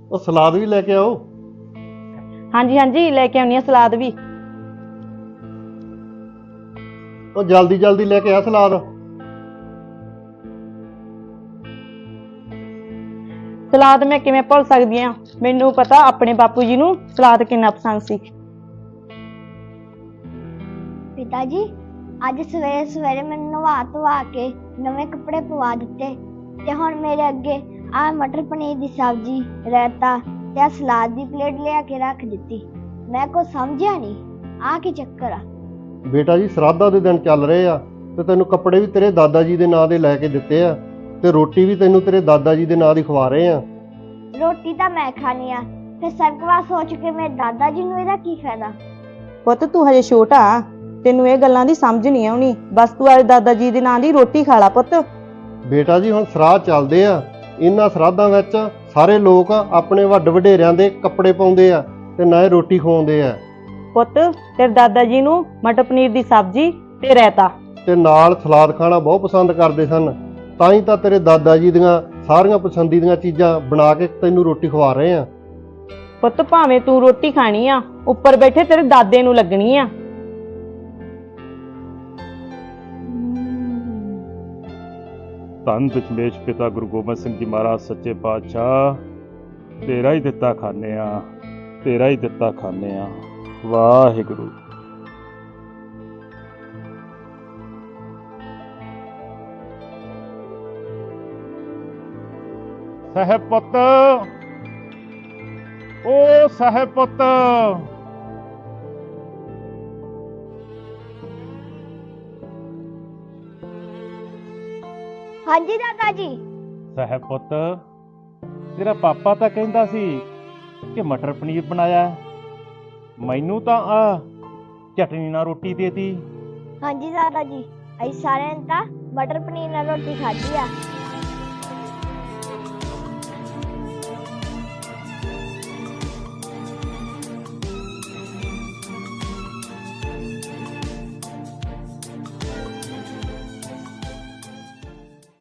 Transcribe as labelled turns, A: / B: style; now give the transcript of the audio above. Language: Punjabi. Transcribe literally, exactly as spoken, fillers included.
A: ਉਹ ਸਲਾਦ ਵੀ ਲੈ ਕੇ ਆਓ।
B: ਹਾਂਜੀ ਹਾਂਜੀ ਲੈ ਕੇ ਆਉਣੀ ਆ ਸਲਾਦ ਵੀ।
A: ਉਹ ਜਲਦੀ ਜਲਦੀ ਲੈ ਕੇ ਆ ਸਲਾਦ।
B: ਸਲਾਦ ਮੈਂ ਕਿਵੇਂ ਭੁੱਲ ਸਕਦੀ ਆ, ਮੈਨੂੰ ਪਤਾ ਆਪਣੇ ਬਾਪੂ ਜੀ ਨੂੰ ਸਲਾਦ ਕਿੰਨਾ ਪਸੰਦ ਸੀ।
C: ਪਿਤਾ ਜੀ ਅੱਜ ਸਵੇਰੇ ਸਵੇਰੇ ਮੈਨੂੰ ਨਵਾ ਧਵਾ ਕੇ ਨਵੇਂ ਕੱਪੜੇ ਪਵਾ ਦਿੱਤੇ ਤੇ ਹੁਣ ਮੇਰੇ ਅੱਗੇ ਆ ਮਟਰ ਪਨੀਰ ਦੀ ਸਬਜ਼ੀ, ਰਾਇਤਾ ਤੇ ਆਹ ਸਲਾਦ ਦੀ ਪਲੇਟ ਲਿਆ ਕੇ ਰੱਖ ਦਿੱਤੀ। ਮੈਂ ਕੁਛ ਸਮਝਿਆ ਨਹੀਂ, ਆ ਕੀ ਚੱਕਰ ਆ?
A: ਬੇਟਾ ਜੀ ਸਰਾਧਾਂ ਦੇ ਦਿਨ ਚੱਲ ਰਹੇ ਆ ਤੇ ਤੈਨੂੰ ਕੱਪੜੇ ਵੀ ਤੇਰੇ ਦਾਦਾ ਜੀ ਦੇ ਨਾਂ ਦੇ ਲੈ ਕੇ ਦਿੱਤੇ ਆ ਤੇ ਰੋਟੀ ਵੀ ਤੈਨੂੰ ਤੇਰੇ ਦਾਦਾ ਜੀ ਦੇ ਨਾਂ ਦੀ ਖਵਾ ਰਹੇ ਆ।
C: ਰੋਟੀ ਤਾਂ ਮੈਂ ਖਾਣੀ ਆ ਤੇ ਸਰਕਵਾ ਸੋਚ ਕੇ ਮੇਰੇ ਦਾਦਾ ਜੀ ਨੂੰ ਇਹਦਾ ਕੀ ਫਾਇਦਾ?
B: ਪੁੱਤ ਤੂੰ ਹਜੇ ਛੋਟਾ, ਤੈਨੂੰ ਇਹ ਗੱਲਾਂ ਦੀ ਸਮਝ ਨਹੀਂ ਆਉਣੀ। ਬਸ ਤੂੰ ਅੱਜ ਦਾਦਾ ਜੀ ਦੇ ਨਾਂ ਦੀ ਰੋਟੀ ਖਾ ਲਾ ਪੁੱਤ।
A: ਬੇਟਾ ਜੀ ਹੁਣ ਸਰਾਧ ਚੱਲਦੇ ਆ, ਇਹਨਾਂ ਸਰਾਧਾਂ ਵਿੱਚ ਸਾਰੇ ਲੋਕ ਆਪਣੇ ਵੱਡ ਵਡੇਰਿਆਂ ਦੇ ਕੱਪੜੇ ਪਾਉਂਦੇ ਆ ਤੇ ਨਾਲੇ ਰੋਟੀ ਖਵਾਉਂਦੇ ਆ।
B: ਪੁੱਤ ਤੇਰੇ ਦਾਦਾ ਜੀ ਨੂੰ ਮਟਰ ਪਨੀਰ ਦੀ ਸਬਜ਼ੀ ਤੇ ਰਾਇਤਾ
A: ਤੇ ਨਾਲ ਸਲਾਦ ਖਾਣਾ ਬਹੁਤ ਪਸੰਦ ਕਰਦੇ ਸਨ, ਤਾਂ ਹੀ ਤਾਂ ਤੇਰੇ ਦਾਦਾ ਜੀ ਦੀਆਂ ਸਾਰੀਆਂ ਪਸੰਦੀਦੀਆਂ ਚੀਜ਼ਾਂ ਬਣਾ ਕੇ ਤੈਨੂੰ ਰੋਟੀ ਖਵਾ ਰਹੇ ਆ।
B: ਪੁੱਤ ਭਾਵੇਂ ਤੂੰ ਰੋਟੀ ਖਾਣੀ ਆ, ਉੱਪਰ ਬੈਠੇ ਤੇਰੇ ਦਾਦੇ ਨੂੰ ਲੱਗਣੀ ਆ।
D: ਧੰਨ ਦਸ਼ਮੇਸ਼ ਪਿਤਾ ਗੁਰੂ ਗੋਬਿੰਦ ਸਿੰਘ ਜੀ ਮਹਾਰਾਜ ਸੱਚੇ ਪਾਤਸ਼ਾਹ, ਤੇਰਾ ਹੀ ਦਿੱਤਾ ਖਾਂਦੇ ਆ, ਤੇਰਾ ਹੀ ਦਿੱਤਾ ਖਾਂਦੇ ਆ। ਵਾਹਿਗੁਰੂ। ਸਾਹਿਬ ਪੁੱਤ, ਓ ਸਾਹਿਬ ਪੁੱਤ।
C: ਹਾਂਜੀ ਦਾਦਾ ਜੀ।
D: ਸਾਹਿਬ ਪੁੱਤ, ਤੇਰਾ ਪਾਪਾ ਤਾਂ ਕਹਿੰਦਾ ਸੀ ਕਿ ਮਟਰ ਪਨੀਰ ਬਣਾਇਆ, ਮੈਨੂੰ ਤਾਂ ਆ ਚਟਨੀ ਨਾਲ ਰੋਟੀ ਦੇਤੀ।
C: ਹਾਂਜੀ ਦਾਦਾ ਜੀ, ਅਸੀਂ ਸਾਰਿਆਂ ਨੇ ਤਾਂ ਮਟਰ ਪਨੀਰ ਨਾਲ ਰੋਟੀ ਖਾਧੀ ਆ।